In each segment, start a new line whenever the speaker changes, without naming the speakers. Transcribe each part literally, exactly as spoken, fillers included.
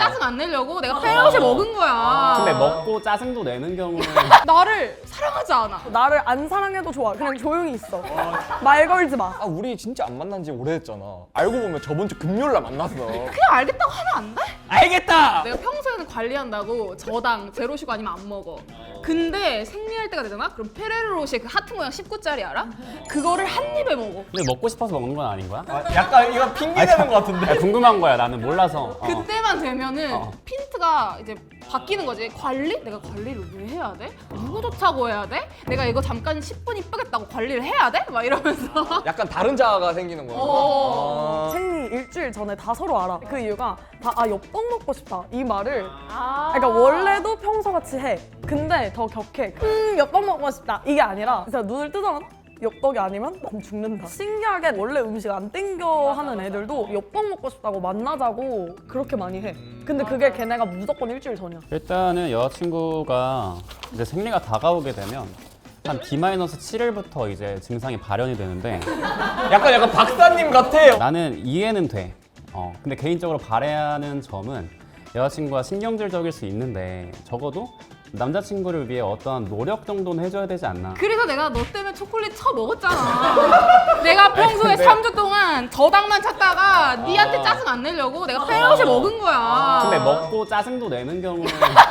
짜증 안 내려고 내가 페럿을 먹은 거야.
근데 먹고 짜증도 내는 경우는
나를 사랑하지 않아.
나를 안 사랑해도 좋아. 그냥 조용히 있어. 말 걸지 마.
아 우리 진짜 안 만난 지 오래됐잖아. 알고 보면 저번 주 금요일 날 만났어.
그냥 알겠다고 하면 안 돼?
알겠다!
내가 평소에는 관리한다고 저당 제로시고 아니면 안 먹어. 근데 생리할 때가 되잖아? 그럼 페레로로시의 그 하트 모양 십 구짜리 알아? 그거를 한 입에 먹어.
근데 먹고 싶어서 먹는 건 아닌 거야?
아, 약간 이거 핑계 대는 것 같은데?
아, 궁금한 거야. 나는 몰라서. 어.
그때만 되면은
어.
핀트가 이제 바뀌는 거지. 관리? 내가 관리를 왜 해야 돼? 누구 좋다고 해야 돼? 내가 이거 잠깐 십 분 이쁘겠다고 관리를 해야 돼? 막 이러면서.
약간 다른 자아가 생기는 거야.
어.
아.
생리 일주일 전에 다 서로 알아. 그 이유가 다 아 엽떡 먹고 싶다 이 말을.
아.
그러니까 원래도 평소같이 해. 근데 더 격해. 음 엽떡 먹고 싶다 이게 아니라 진짜 눈을 뜨자마자 엽떡이 아니면 난 죽는다. 신기하게 원래 음식 안 땡겨 하는 애들도 엽떡 먹고 싶다고 만나자고 그렇게 많이 해. 근데 그게 걔네가 무조건 일주일 전이야.
일단은 여자친구가 이제 생리가 다가오게 되면 한 디 칠 일부터 이제 증상이 발현이 되는데
약간 약간 박사님 같아.
나는 이해는 돼. 어, 근데 개인적으로 바라는 점은 여자친구가 신경질적일 수 있는데 적어도 남자친구를 위해 어떠한 노력 정도는 해줘야 되지 않나.
그래서 내가 너 때문에 초콜릿 쳐 먹었잖아. 내가 평소에
근데-
삼 주 동안 저당만 찾다가 니한테 짜증 안 내려고 내가 페럿을 먹은 거야.
근데 먹고 짜증도 내는 경우는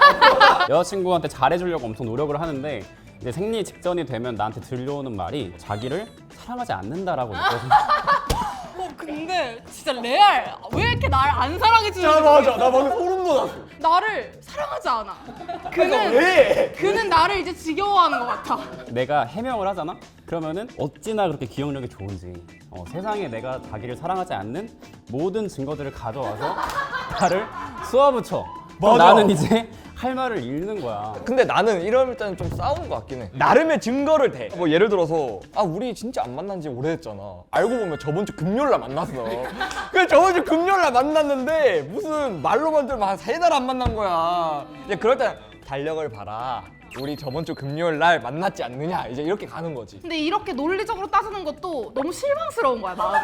여자친구한테 잘해주려고 엄청 노력을 하는데 이제 생리 직전이 되면 나한테 들려오는 말이 자기를 사랑하지 않는다라고 느껴지는
어, 근데 진짜 레알. 왜 이렇게 나를 안 사랑해 주는지
야 맞아.
모르겠어.
나 방금 소름 돋았어.
나를 사랑하지 않아.
그러니까
그는
왜?
그는 나를 이제 지겨워하는 것 같아.
내가 해명을 하잖아? 그러면은 어찌나 그렇게 기억력이 좋은지 어, 세상에 내가 자기를 사랑하지 않는 모든 증거들을 가져와서 나를 쏘아붙여. 그럼
맞아.
나는 이제 할 말을 잃는 거야.
근데 나는 이럴 때는 좀 싸우는 것 같긴 해. 나름의 증거를 대. 뭐 예를 들어서 아 우리 진짜 안 만난 지 오래됐잖아. 알고 보면 저번 주 금요일 날 만났어. 그래 저번 주 금요일 날 만났는데 무슨 말로만 들으면 한 세 달 안 만난 거야. 이제 그럴 때 달력을 봐라. 우리 저번 주 금요일 날 만났지 않느냐. 이제 이렇게 가는 거지.
근데 이렇게 논리적으로 따지는 것도 너무 실망스러운 거야, 마음이.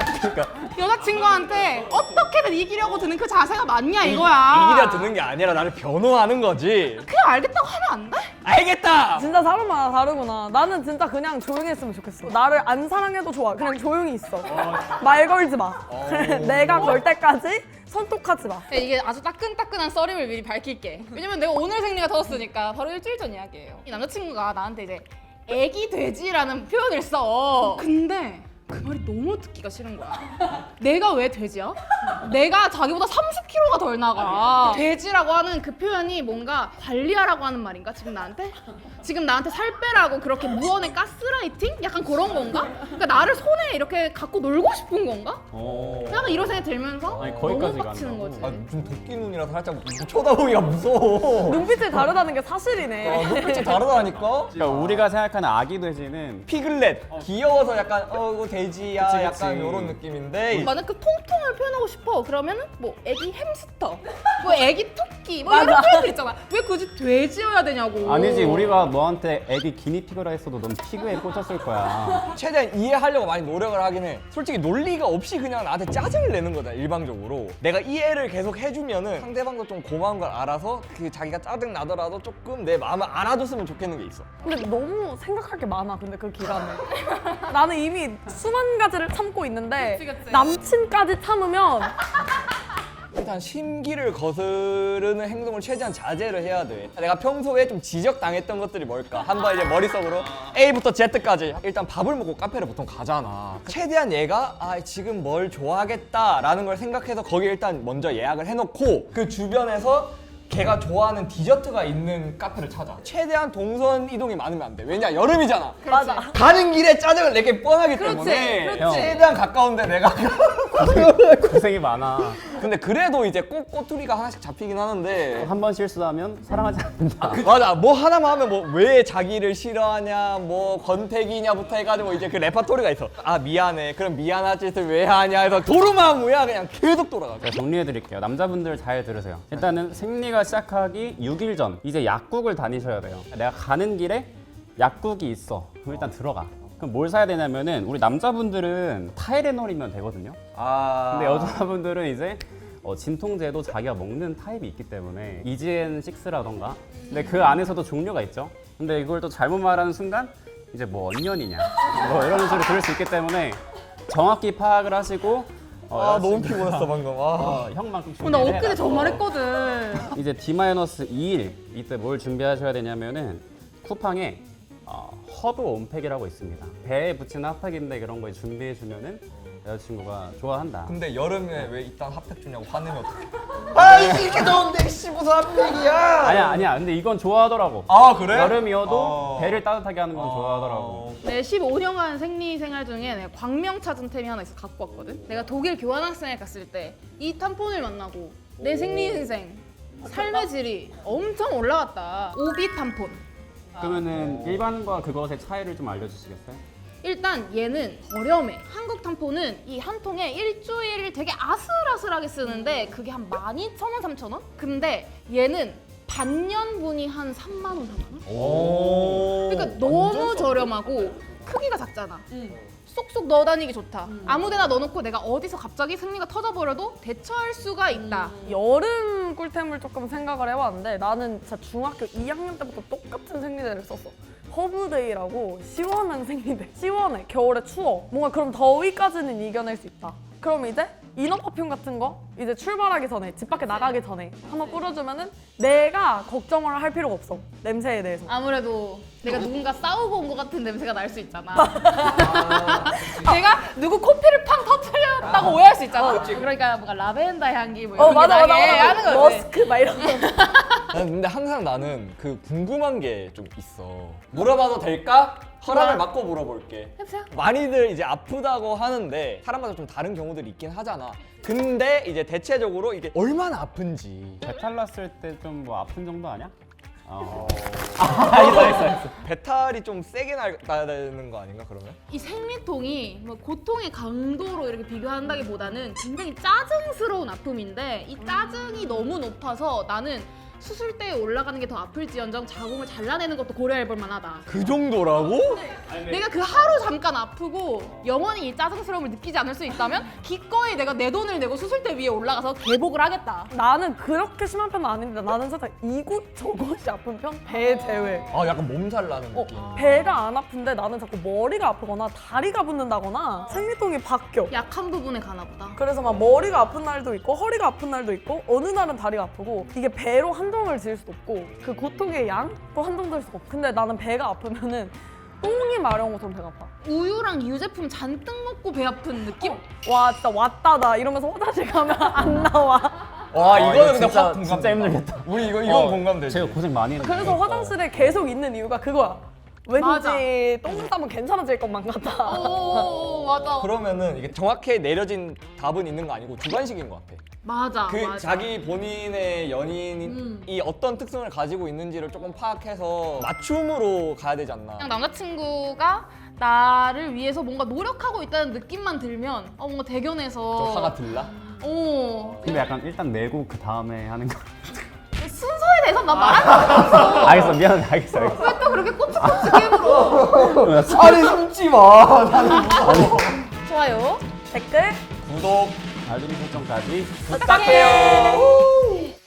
여자친구한테 어떻게든 이기려고 드는 그 자세가 맞냐 이거야.
이기려 드는 게 아니라 나를 변호하는 거지.
그냥 알겠다고 하면 안 돼?
알겠다.
진짜 사람마다 다르구나. 나는 진짜 그냥 조용히 했으면 좋겠어. 나를 안 사랑해도 좋아. 그냥 조용히 있어. 말 걸지 마. 내가 걸 때까지 선톡하지 마.
네, 이게 아주 따끈따끈한 썰임을 미리 밝힐게. 왜냐면 내가 오늘 생리가 터졌으니까 바로 일주일 전 이야기예요. 이 남자친구가 나한테 이제 애기 돼지라는 표현을 써. 근데 그 말이 너무 듣기가 싫은 거야. 내가 왜 돼지야? 내가 자기보다 삼십 킬로그램가 덜 나가. 돼지라고 하는 그 표현이 뭔가 관리하라고 하는 말인가? 지금 나한테? 지금 나한테 살 빼라고 그렇게 무언의 가스라이팅? 약간 그런 건가? 그러니까 나를 손에 이렇게 갖고 놀고 싶은 건가?
어.
약간 이런 생각이 들면서
아니,
너무
거기까지
빡치는
간다고?
거지.
아 좀 도끼 눈이라 살짝 쳐다보기가 무서워.
눈빛이 다르다는 게 사실이네.
어, 눈빛이 다르다니까?
그러니까 우리가 생각하는 아기 돼지는
피글렛 귀여워서 약간 어 이거 돼지야
그치,
약간
그치.
이런 느낌인데
만약 그 통통을 표현하고 싶어 그러면은 뭐 애기 햄스터, 뭐 애기 토끼 뭐 이런
맞아.
표현들 있잖아. 왜 굳이 돼지여야 되냐고.
아니지 우리가 너한테 애기 기니피그라 했어도 넌 피그에 꽂혔을 거야.
최대한 이해하려고 많이 노력을 하긴 해. 솔직히 논리가 없이 그냥 나한테 짜증을 내는 거다 일방적으로. 내가 이해를 계속 해주면은 상대방도 좀 고마운 걸 알아서 그 자기가 짜증 나더라도 조금 내 마음을 알아줬으면 좋겠는 게 있어.
근데 너무 생각할 게 많아. 근데 그 기간에 나는 이미 수만 가지를 참고 있는데
그치, 그치.
남친까지 참으면
일단 심기를 거스르는 행동을 최대한 자제를 해야 돼. 내가 평소에 좀 지적당했던 것들이 뭘까? 한번 이제 머릿속으로 A부터 Z까지 일단 밥을 먹고 카페를 보통 가잖아. 최대한 얘가 아 지금 뭘 좋아하겠다라는 걸 생각해서 거기 일단 먼저 예약을 해놓고 그 주변에서 걔가 좋아하는 디저트가 있는 카페를 찾아. 최대한 동선 이동이 많으면 안 돼. 왜냐 여름이잖아.
맞아.
가는 길에 짜증을 내게 뻔하기
그렇지,
때문에
그렇지.
최대한 가까운데 내가
고생이 많아.
근데 그래도 이제 꼭 꼬투리가 하나씩 잡히긴 하는데
한 번 실수하면 사랑하지 않는다.
맞아 뭐 하나만 하면 뭐 왜 자기를 싫어하냐 뭐 권태기냐부터 해가지고 이제 그 레파토리가 있어. 아 미안해 그럼 미안한 짓을 왜 하냐 해서 도루마무야 그냥 계속 돌아가.
제가 정리해드릴게요. 남자분들 잘 들으세요. 일단은 생리가 시작하기 육 일 전 이제 약국을 다니셔야 돼요. 내가 가는 길에 약국이 있어. 그럼 일단 들어가. 그럼 뭘 사야 되냐면은 우리 남자분들은 타이레놀이면 되거든요.
아
근데 여자분들은 이제 어, 진통제도 자기가 먹는 타입이 있기 때문에 이지엔 식스라던가 근데 그 안에서도 종류가 있죠. 근데 이걸 또 잘못 말하는 순간 이제 뭐 언년이냐 뭐 이런 소리 들을 수 있기 때문에 정확히 파악을 하시고 어,
아 너무
여자친구-
피곤했어 방금. 아.
어, 형만큼
어, 나
준비를
엊그제
해라.
저 말했거든.
이제 디 이 일 이때 뭘 준비하셔야 되냐면은 쿠팡에 어, 허브 온팩이라고 있습니다. 배에 붙이는 핫팩인데 그런 거 준비해 주면은 여자친구가 좋아한다.
근데 여름에 왜 이딴 핫팩 주냐고 화내면 어떡해? 아 이렇게 더운데 씨 무슨 핫팩이야?
아니야 아니야. 근데 이건 좋아하더라고.
아 그래?
여름이어도
어.
배를 따뜻하게 하는 건 좋아하더라고.
어.
내 십오 년간 생리 생활 중에 내가 광명 찾은 템이 하나 있어 갖고 왔거든. 내가 독일 교환학생을 갔을 때 이 탐폰을 만나고 내 생리 인생 삶의 질이 엄청 올라갔다. 오비 탐폰.
그러면은 일반과 그것의 차이를 좀 알려주시겠어요?
일단 얘는 저렴해. 한국 탐폰은 이 한 통에 일주일을 되게 아슬아슬하게 쓰는데 그게 한 만 이천 원, 삼천 원? 근데 얘는 반년분이 한 삼만 원, 사만 원?
오.
그러니까 너무 저렴하고 크기가 작잖아. 쏙쏙 넣어 다니기 좋다. 아무데나 넣어놓고 내가 어디서 갑자기 생리가 터져버려도 대처할 수가 있다.
여름 꿀템을 조금 생각을 해봤는데 나는 진짜 중학교 이 학년 때부터 똑같은 생리대를 썼어. 허브데이라고 시원한 생리대. 시원해. 겨울에 추워. 뭔가 그럼 더위까지는 이겨낼 수 있다. 그럼 이제 이너 퍼퓸 같은 거 이제 출발하기 전에 집 밖에 나가기 전에 한번 뿌려주면은 내가 걱정을 할 필요가 없어. 냄새에 대해서.
아무래도 내가 누군가 싸우고 온 것 같은 냄새가 날 수 있잖아. 내가 누구 코피를 팡 터뜨렸다고 오해할 수 있잖아. 그러니까 뭔가 라벤더 향기 뭐 이런
어
게
맞아 맞아
나게
맞아.
하는 거지.
머스크 막 이런 거.
나는 근데 항상 나는 그 궁금한 게 좀 있어. 물어봐도 될까? 허락을 받고 물어볼게.
해보세요.
많이들 이제 아프다고 하는데 사람마다 좀 다른 경우들이 있긴 하잖아. 근데 이제 대체적으로 이게 얼마나 아픈지.
배탈 났을 때 좀 뭐 아픈 정도 아니야? 어. 알겠어 알겠어 알겠어.
배탈이 좀 세게 날- 나야 되는 거 아닌가 그러면?
이 생리통이 뭐 고통의 강도로 이렇게 비교한다기보다는 굉장히 짜증스러운 아픔인데 이 짜증이 너무 높아서 나는 수술대에 올라가는 게 더 아플지언정 자궁을 잘라내는 것도 고려해볼 만하다.
그 정도라고?
내가 그 하루 잠깐 아프고 영원히 이 짜증스러움을 느끼지 않을 수 있다면 기꺼이 내가 내 돈을 내고 수술대 위에 올라가서 개복을 하겠다.
나는 그렇게 심한 편은 아닌데 나는 살짝 이곳 저곳이 아픈 편? 배 제외.
아 약간 몸살 나는
어,
느낌.
배가 안 아픈데 나는 자꾸 머리가 아프거나 다리가 붓는다거나 생리통이 바뀌어.
약한 부분에 가나 보다.
그래서 막 머리가 아픈 날도 있고 허리가 아픈 날도 있고 어느 날은 다리가 아프고 이게 배로 한동을 지을 수도 없고 그 고통의 양도 한동될 수가 없고 근데 나는 배가 아프면은 똥이 마려운 것처럼 배가 아파.
우유랑 유제품 잔뜩 먹고 배 아픈 느낌?
와 진짜 왔다다 이러면서 화장실 가면 안 나와.
와
아,
이거는
이거
근데
진짜-
확 공감.
진짜 힘들겠다.
우리 이거 이건
어,
공감되지.
제가 고생 많이 했는데.
그래서 화장실에 계속 있는 이유가 그거야. 왠지
맞아.
똥 싸면 괜찮아질 것만 같아.
오 맞아.
그러면은 이게 정확히 내려진 답은 있는 거 아니고 주관식인 것 같아.
맞아.
그
맞아.
자기 본인의 연인이
음.
어떤 특성을 가지고 있는지를 조금 파악해서 맞춤으로 가야 되지 않나.
그냥 남자친구가 나를 위해서 뭔가 노력하고 있다는 느낌만 들면 어 뭔가 대견해서
좀 화가 들라?
어
근데 약간 일단 내고 그 다음에 하는 거.
순서에 대해서 난 말한 적 없어.
알겠어 미안해 알겠어 알겠어.
왜 또 그렇게 꼬치꼬치게 물어?
아니 숨지 마. 나는
좋아요.
댓글
구독
알림 설정까지
부탁해요.